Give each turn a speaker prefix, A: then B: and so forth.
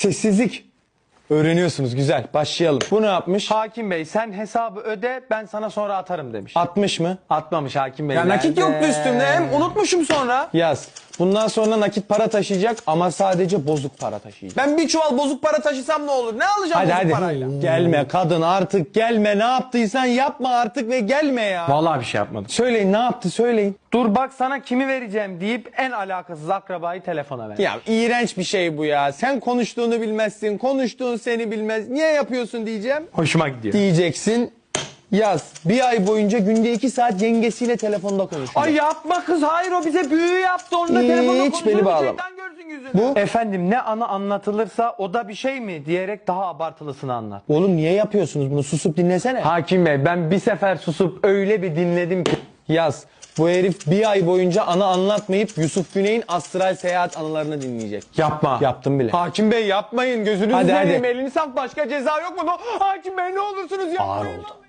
A: Sessizlik. Öğreniyorsunuz, güzel. Başlayalım. Bu ne yapmış?
B: Hakim Bey sen hesabı öde ben sana sonra atarım demiş.
A: 60 mı?
B: Atmamış Hakim Bey.
C: Ya nakit
B: nerede?
C: yoktu üstümde, hem unutmuşum sonra.
A: Yaz. Bundan sonra nakit para taşıyacak ama sadece bozuk para taşıyacak.
C: Ben bir çuval bozuk para taşısam ne olur? Ne alacağım
A: Hadi
C: bozuk
A: hadi.
C: parayla?
A: Gelme kadın artık gelme. Ne yaptıysan yapma artık ve gelme ya.
B: Vallahi bir şey yapmadım.
A: Söyleyin ne yaptı söyleyin.
B: Dur bak sana kimi vereceğim deyip en alakasız akrabayı telefona ver.
A: Ya iğrenç bir şey bu ya. Sen konuştuğunu bilmezsin. Konuştuğun seni bilmez. Niye yapıyorsun diyeceğim.
B: Hoşuma gidiyor.
A: Diyeceksin. Yaz. Bir ay boyunca günde 2 saat yengesiyle telefonda konuşacak.
B: Ay yapma kız hayır o bize büyü yaptı onunla telefonda
A: Hiç beni bağlama.
C: Şeytan görsün yüzünü.
A: Bu
B: Efendim ne anı anlatılırsa o da bir şey mi diyerek daha abartılısını anlat.
A: oğlum niye yapıyorsunuz bunu? Susup dinlesene.
B: Hakim Bey ben bir sefer susup öyle bir dinledim ki.
A: Yaz. Bu herif bir ay boyunca anı anlatmayıp Yusuf Güney'in astral seyahat anılarını dinleyecek.
B: Yapma.
A: Yaptım bile.
B: Hakim Bey yapmayın gözünüzü
A: Hadi,
B: seveyim
A: hadi.
B: elini sak başka ceza yok mu? Hakim Bey ne olursunuz yapmayın.
A: Ağır oldu.